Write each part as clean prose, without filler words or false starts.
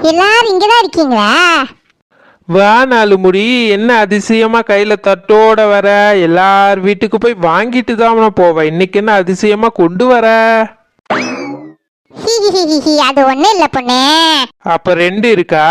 எல்லாரும் இங்கதான் இருக்கீங்களா? வா நாலு முடி, என்ன அதிசயமா கையில தட்டோட வர? எல்லார் வீட்டுக்கு போய் வாங்கிட்டு தான் போவேன். இன்னைக்கு என்ன அதிசயமா கொண்டு வர? அது ஒண்ணு இல்ல பொண்ணு. அப்ப ரெண்டு இருக்கா?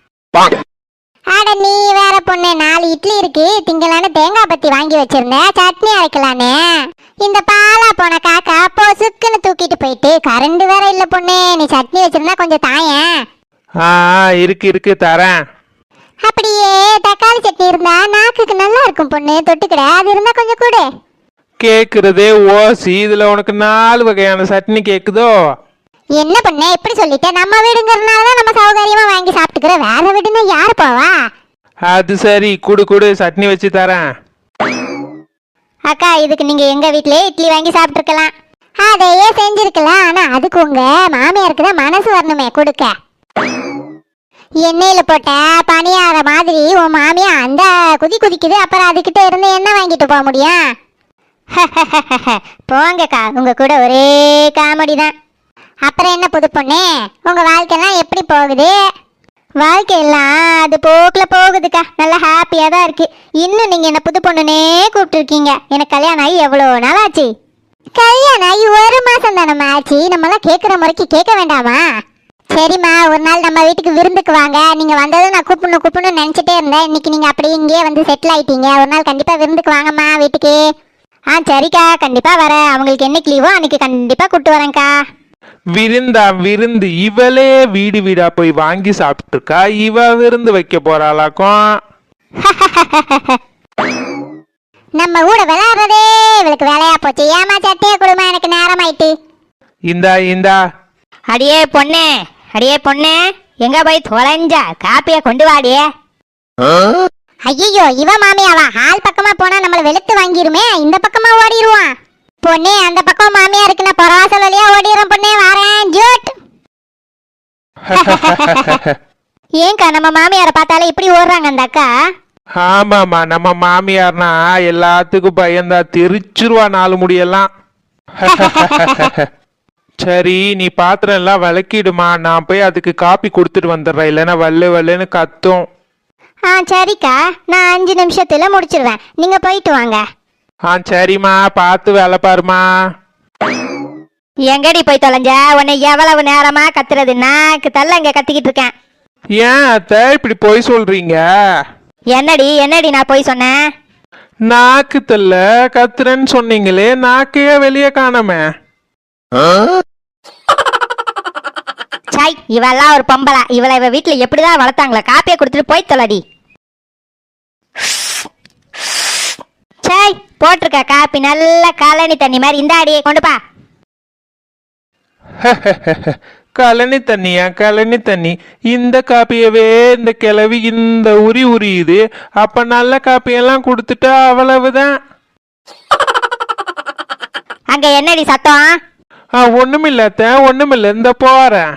அட நீ வேற பொண்ணு, 4 இட்லி இருக்கு. திங்களான தேங்காய் பத்தி வாங்கி வச்சிருந்தேன், சட்னி அரைக்கலான்னு. இந்த பாலா போன காக்கா பொசுக்குன்னு தூக்கிட்டு போயிட்டு கரண்ட் வேற இல்ல பொண்ணு. நீ சட்னி வச்சிருந்தா கொஞ்சம் தாயேன். இருக்கு இருக்கு தரேன். அப்படியே தக்காளி சட்னி இருந்தா நாக்குக்கு நல்லா இருக்கும் பொண்ணு, தொட்டுக்கிட. அது இருந்தா கொஞ்சம் கொடு. கேக்குறதே ஓசி, இதுல உனக்கு 4 வகையான சட்னி கேக்குதோ? என்ன பண்ண இப்படி சொல்லிட்ட? நம்ம வீடுங்கிறதுனாலதான் நம்ம சௌகரியமா வாங்கி சாப்பிட்டுக்கிறோம். வேற வீடுன்னா யாரு போவா? அது சரி, குடு குடு, சட்னி வச்சு தரேன். அக்கா, இதுக்கு நீங்க எங்க வீட்லயே இட்லி வாங்கி சாப்பிட்டுருக்கலாம். அதையே செஞ்சிருக்கலாம். ஆனா அதுக்கு உங்க மாமியாருக்கு தான் மனசு வரணுமே கொடுக்க. எண்ணெயில போட்ட பணியார மாதிரி உன் மாமியா அந்த குதிக்குது. அப்புறம் அதுகிட்ட இருந்து என்ன வாங்கிட்டு போக முடியும்? போங்கக்கா, உங்க கூட ஒரே காமெடி தான். அப்புறம் என்ன புது பொண்ணு, உங்க வாழ்க்கைலாம் எப்படி போகுது? வாழ்க்கையெல்லாம் அது போக்கில் போகுதுக்கா, நல்லா ஹாப்பியாக தான் இருக்கு. இன்னும் நீங்கள் என்ன புது பொண்ணுனே கூப்பிட்டுருக்கீங்க. எனக்கு கல்யாணம் ஆகி எவ்வளோ நாள் ஆச்சு? கல்யாணம் ஆகி 1 மாதம் தானம்மா ஆச்சு. நம்மளாம் கேட்குற முறைக்கு கேட்க வேண்டாமா? சரிம்மா, ஒரு நாள் நம்ம வீட்டுக்கு விருந்துக்கு வாங்க. நீங்கள் வந்ததும் நான் கூப்பிடணும்னு நினச்சிட்டே இருந்தேன். இன்னைக்கு நீங்கள் அப்படியே இங்கேயே வந்து செட்டில் ஆகிட்டீங்க. ஒரு நாள் கண்டிப்பாக விருந்துக்கு வாங்கம்மா வீட்டுக்கு. சரிக்கா, கண்டிப்பாக வரேன். அவங்களுக்கு என்னைக்கு லீவோ அன்னைக்கு கண்டிப்பாக கூப்பிட்டு வரேன்க்கா. விருந்தா விருந்து? இவளே வீடு வீடா போய் வாங்கி சாப்பிட்டு இருக்கா. இவ விருந்து வைக்க போறாளாக்கும். நம்ம கூட விளையாடுறதே இவளுக்கு வேலையா போச்சு. ஏமா சட்டையை கொடுமா, எனக்கு நேரம் ஆயிட்டு. இந்தா இந்தா. அடியே பொண்ணு, எங்க போய் தொலைஞ்சா? காப்பிய கொண்டு வாடியே. ஐயோ, இவ மாமியாவா? ஹால் பக்கமா போனா நம்மள வெளுத்து வாங்கிருமே. இந்த பக்கமா ஓடிடுவான். பொண்ணே, அந்த பக்கம் மாமியா இருக்குன்னா பரவாசல் வழியா ஓடிடுறோம். பொண்ணே வாரேன் ஜூட். ஏங்கா, நம்ம மாமியாரை பார்த்தாலே இப்படி ஓடுறாங்க அந்த அக்கா? ஆமாமா, நம்ம மாமியார்னா எல்லாத்துக்கும் பயந்தா தெரிச்சிருவா 4 முடியெல்லாம். சரி, நீ பாத்திரம் எல்லாம் விளக்கிடுமா, நான் போய் அதுக்கு காப்பி கொடுத்துட்டு வந்துடுறேன். இல்லைன்னா வல்லுன்னு கத்தும். சரிக்கா, நான் 5 நிமிஷத்துல முடிச்சிருவேன். நீங்க போயிட்டு வாங்க. சரிம்மா, பார்த்து வேலை பாருமா. எங்கடி போய் தொலைஞ்ச? உன்னை எவ்வளவு நேரமா கத்துறது? நாக்கு தள்ள இங்க கத்திக்கிட்டு இருக்கேன். ஏன் அத்தை இப்படி போய் சொல்றீங்க? என்னடி நான் போய் சொன்னேன்? நாக்கு தள்ள கத்துறேன்னு சொன்னீங்களே, நாக்கையே வெளியே காணாம. சாய், இவெல்லாம் ஒரு பொம்பளை. இவளை இவ வீட்டுல எப்படிதான் வளர்த்தாங்களா? காப்பியை கொடுத்துட்டு போய் தொலைடி. சாய், போட்டிருக்க காப்பி நல்ல கழனி தண்ணி மாதிரி. இந்த அடியை கொண்டுப்பா. கழனி தண்ணியா? கழனி தண்ணி? இந்த காப்பியவே இந்த கிளவி இந்த உரியுது. அப்ப நல்ல காப்பியெல்லாம் கொடுத்துட்டா அவ்வளவுதான். அங்க என்னடி சத்தம்? ஒண்ணுமில்ல, ஒண்ணுமில்ல, இந்த போறேன்.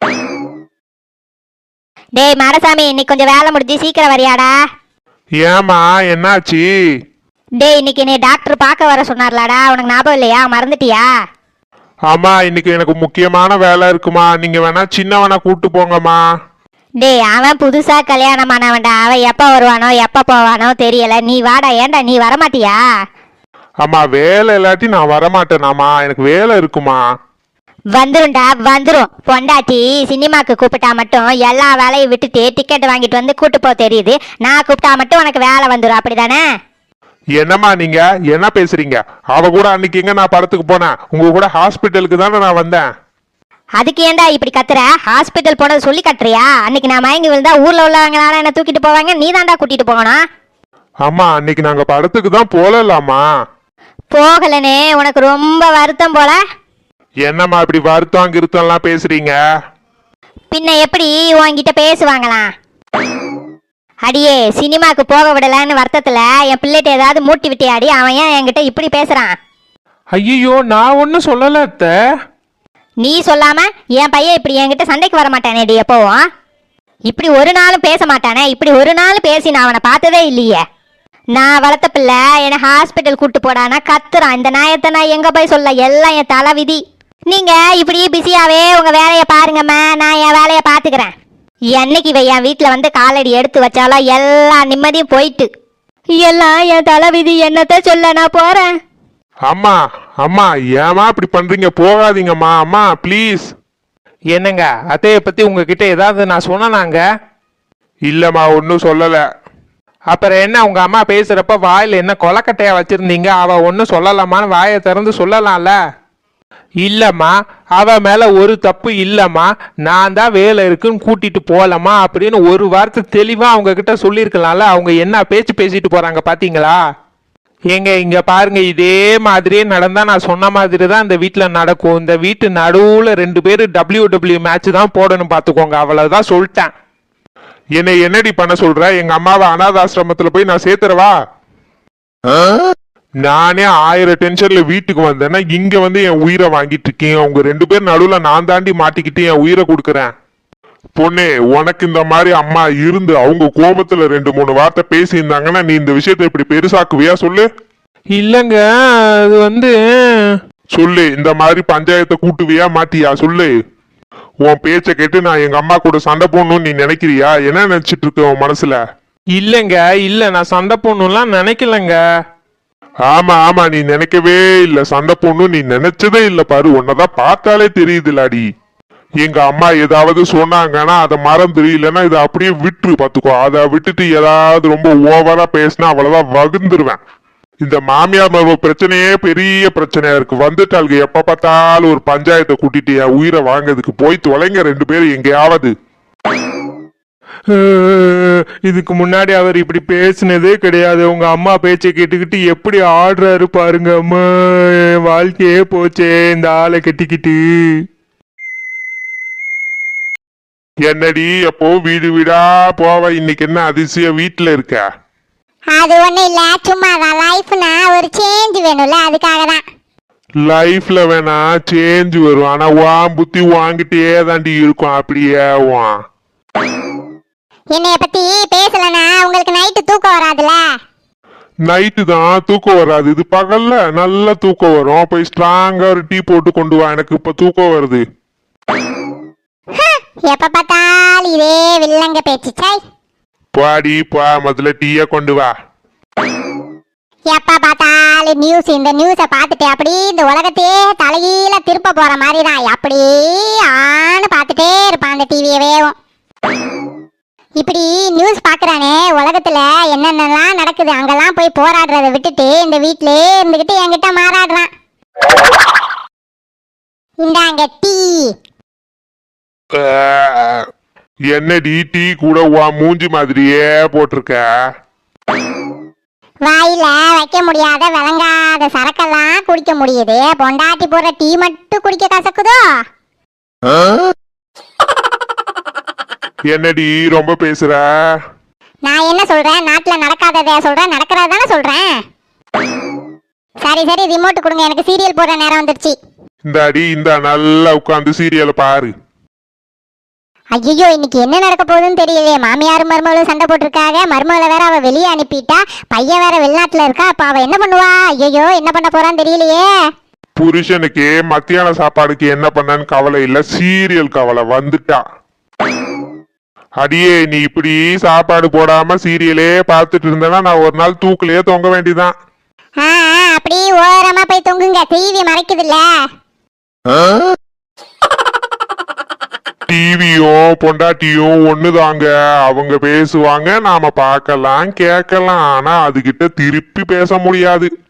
டேய் மரசாமி, இன்னைக்கு கொஞ்சம் வேலை முடிஞ்சு சீக்கிரம் வரியாடா? ஏமா, என்னாச்சு? டேய், இன்னைக்கு நீ டாக்டர் பார்க்க வர சொன்னார்லாடா, உனக்கு ஞாபகம் இல்லையா? மறந்துட்டியா? ஆமா, இன்னைக்கு எனக்கு முக்கியமான வேலை இருக்குமா. நீங்க வேணா சின்னவனா கூட்டு போங்கம்மா. டேய், அவன் புதுசா கல்யாணம் ஆனவன்டா. அவன் எப்ப வருவானோ எப்ப போவானோ தெரியல. நீ வாடா. ஏன்டா நீ வரமாட்டியா? அம்மா, வேலை இல்லாட்டி நான் வரமாட்டேனாமா. எனக்கு வேலை இருக்குமா. வந்துரும்டா, வந்துரும். பொண்டாட்டி சினிமாக்கு கூப்பிட்டா மட்டும் எல்லா வேலையும் விட்டுட்டு டிக்கெட் வாங்கிட்டு வந்து கூட்டு போ தெரியுது. நான் கூப்பிட்டா மட்டும் உனக்கு வேலை வந்துடும், அப்படிதானே? என்னம்மா நீங்க என்ன பேசுறீங்க? அவ கூட அன்னைக்கு எங்க நான் படத்துக்கு போனேன்? உங்க கூட ஹாஸ்பிட்டலுக்கு தானே நான் வந்தேன். அதுக்கு ஏன்டா இப்படி கத்துற? ஹாஸ்பிட்டல் போனது சொல்லி கட்டுறியா? அன்னைக்கு நான் மயங்கி விழுந்தா ஊர்ல உள்ளவங்களால என்ன தூக்கிட்டு போவாங்க. நீ தான்டா கூட்டிட்டு போகணும். அம்மா, அன்னைக்கு நாங்க படத்துக்கு தான் போகலாமா? போகலனே, உனக்கு ரொம்ப வருத்தம் போல. என்னம்மா இப்படி வருத்தம் கிருத்தம்லாம் பேசுறீங்க? பின்ன எப்படி உன்கிட்ட பேசுவாங்களாம்? அடியே, சினிமாக்கு போக விடலன்னு வருத்தத்துல என் பிள்ளைகிட்ட ஏதாவது மூட்டி விட்டியாடி? அவன் ஏன் என்கிட்ட இப்படி பேசுறான்? ஐயோ, நான் ஒன்னும் சொல்லல அத்தை. நீ சொல்லாம என் பையன் இப்படி என்கிட்ட சண்டைக்கு வர மாட்டானேடி எப்பவும். இப்படி ஒரு நாளும் பேச மாட்டானே. இப்படி ஒரு நாள் பேசி நான் அவனை பார்த்ததே இல்லையே. நான் வளர்த்த பிள்ளை என்னை ஹாஸ்பிட்டல் கூட்டு போடானா கத்துறான். இந்த நாயத்தை நான் எங்க போய் சொல்ல? எல்லாம் என் தலை விதி. நீங்க இப்படி பிஸியாவே உங்க வேலையை பாருங்கம்மா, நான் என் வேலையை பாத்துக்கிறேன். என்னைக்கு இவ என் வீட்டுல வந்து காலடி எடுத்து வச்சாலும் எல்லா நிம்மதியும் போயிட்டு. எல்லாம் என் தலைவிதி, என்னத்த சொல்ல நான் போறேன். அம்மா அம்மா ஏமா இப்படி பண்றீங்க? போகாதீங்கம்மா அம்மா ப்ளீஸ். என்னங்க அத்தையை பத்தி உங்ககிட்ட ஏதாவது நான் சொன்னேனாங்க? இல்லம்மா ஒன்றும் சொல்லல. அப்புறம் என்ன உங்க அம்மா பேசுறப்ப வாயில என்ன கொலக்கட்டையா வச்சிருந்தீங்க? அவ ஒன்றும் சொல்லலாமான்னு வாயை திறந்து சொல்லலாம்ல. இல்லம்மா அவ மேல ஒரு தப்பு இல்லம்மா, நான் தான் வேலை இருக்குன்னு கூட்டிட்டு போலமா அப்படின்னு ஒரு வார்த்தை தெளிவா அவங்க கிட்ட சொல்லியிருக்கலாம்ல. அவங்க என்ன பேச்சு பேசிட்டு போறாங்க பாத்தீங்களா? ஏங்க இங்க பாருங்க, இதே மாதிரியே நடந்தா நான் சொன்ன மாதிரி தான் இந்த வீட்டுல நடக்கும். இந்த வீட்டு நடுவுல 2 பேரு WWE மேட்ச் தான் போடணும் பாத்துக்கோங்க, அவ்வளவுதான் சொல்லிட்டேன். என்னை என்னடி பண்ண சொல்ற? எங்க அம்மாவை அனாதாசிரமத்துல போய் நான் சேர்த்துறவா? நானே 1000 டென்ஷன்ல வீட்டுக்கு வந்தேன்னா இங்க வந்து என் உயிரை வாங்கிட்டு இருக்கீங்க. உங்க 2 பேர் நடுவுல நான் தாண்டி மாட்டிக்கிட்டு என் உயிரை கொடுக்குறேன். பொண்ணே, உனக்கு இந்த மாதிரி அம்மா இருந்து அவங்க கோபத்துல 2-3 வார்த்தை பேசியிருந்தாங்கன்னா நீ இந்த விஷயத்தை இப்படி பெருசாக்குவியா? சொல்லு. இல்லங்க அது வந்து சொல்லு, இந்த மாதிரி பஞ்சாயத்தை கூட்டுவியா மாட்டியா? சொல்லு. உன் பேச்ச கேட்டு நான் எங்க அம்மா கூட சண்டை போடணும்னு நீ நினைக்கிறியா? என்ன நினைச்சிட்டு இருக்க உன் மனசுல? இல்லங்க இல்ல, நான் சண்டை போடணும்லாம் நினைக்கலங்க. ஆமா ஆமா, நீ நினைக்கவே இல்ல. சண்டை போடணும் நீ நினைச்சதே இல்ல. பாரு, உன்னதான் பார்த்தாலே தெரியுதுலாடி. எங்க அம்மா ஏதாவது சொன்னாங்கன்னா அதை மறந்துரு, இல்லைன்னா இதை அப்படியே விட்டுரு. பாத்துக்கோ, அதை விட்டுட்டு ஏதாவது ரொம்ப ஓவரா பேசினா அவ்வளவுதான் வகுந்துருவேன். இந்த மாமியார் மருமக பிரச்சனையே பெரிய பிரச்சனையா இருக்கு. வந்துட்டாளுங்க எப்ப பார்த்தாலும் ஒரு பஞ்சாயத்தை கூட்டிட்டு என் உயிரை வாங்கிறதுக்கு. போய் தொலைங்க 2 பேரும் எங்கேயாவது. இதுக்கு முன்னாடி அவர் இப்படி பேசினதே கிடையாது. உங்க அம்மா பேச்சை கேட்டுக்கிட்டு எப்படி ஆடுறாரு பாருங்க. அம்மா என் வாழ்க்கையே போச்சே இந்த ஆளை கட்டிக்கிட்டு. என்னடி அப்போ வீடு வீடா போவ? இன்னைக்கு என்ன அதிசயம் வீட்டுல இருக்க? அது ஒண்ணும் இல்ல, சும்மா தான். லைஃப்னா ஒரு சேஞ்ச் வேணும்ல, அதுக்காக தான். லைஃப்ல வேணா சேஞ்ச் வரும், ஆனா வான் புத்தி வாங்கிட்டே தாண்டி இருக்கும். அப்படியே வான் என்னைய பத்தி பேசலனா உங்களுக்கு நைட்டு தூக்கம் வராதுல. நைட்டு தான் தூக்கம் வராது, இது பகல்ல நல்ல தூக்கம் வரும். போய் ஸ்ட்ராங்கா ஒரு டீ போட்டு கொண்டு வா, எனக்கு இப்ப தூக்கம் வருது. எப்ப பார்த்தாலும் இதே வில்லங்க பேச்சு. சாய் பாடி பா, முதல்ல டீய கொண்டு வா. எப்ப பார்த்தாலும் நியூஸ், இந்த நியூஸை பார்த்துட்டு அப்படி இந்த உலகத்தையே தலைகீழ திருப்ப போற மாதிரி தான். அப்படி ஆன்னு பார்த்துட்டே இருப்பான் அந்த டிவியவேவும். இப்படி நியூஸ் பாக்குறானே, உலகத்துல என்னென்னலாம் நடக்குது அங்கெல்லாம் போய் போராடுறத விட்டுட்டு இந்த வீட்டிலே இருந்துகிட்டு என்கிட்ட மாறாடுறான். இந்தாங்க டீ. என்னடி டீ கூட வா மூஞ்சி மாதிரியே போட்டிருக்க? வாயில வைக்க முடியாத விளங்காத சரக்கெல்லாம் குடிக்க முடியுது, பொண்டாட்டி போடுற டீ மட்டும் குடிக்க கசக்குதோ? என்னடி ரொம்ப பேசுற? நான் என்ன சொல்றேன்? நாட்டுல நடக்காததை சொல்றேன், நடக்கிறத தானே சொல்றேன். சரி சரி, ரிமோட் கொடுங்க, எனக்கு சீரியல் போடுற நேரம் வந்துருச்சு. இந்த அடி இந்த நல்லா உட்காந்து சீரியலை பாரு. ஐயோ, இன்னைக்கு என்ன நடக்க போகுதுன்னு தெரியலையே. மாமியாரும் மருமகளும் சண்டை போட்டிருக்காங்க. மருமகளை வேற அவ வெளியே அனுப்பிட்டா, பையன் வேற வெளிநாட்டுல இருக்கா. அப்ப அவ என்ன பண்ணுவா? ஐயோ, என்ன பண்ண போறான்னு தெரியலையே. புருஷனுக்கு மத்தியான சாப்பாடுக்கு என்ன பண்ணான்னு கவலை இல்ல, சீரியல் கவலை வந்துட்டா. அடியே, நீ இப்படி சாப்பாடு போடாம சீரியலே பார்த்துட்டு இருந்தேன்னா நான் ஒரு நாள் தூக்குலயே தொங்க வேண்டியதான். அப்படி ஓரமா போய் தொங்குங்க, டிவி மறைக்குதுல்ல. டிவியும் பொண்டாட்டியும் ஒண்ணுதாங்க. அவங்க பேசுவாங்க, நாம பார்க்கலாம் கேட்கலாம், ஆனா அதுகிட்ட திருப்பி பேச முடியாது.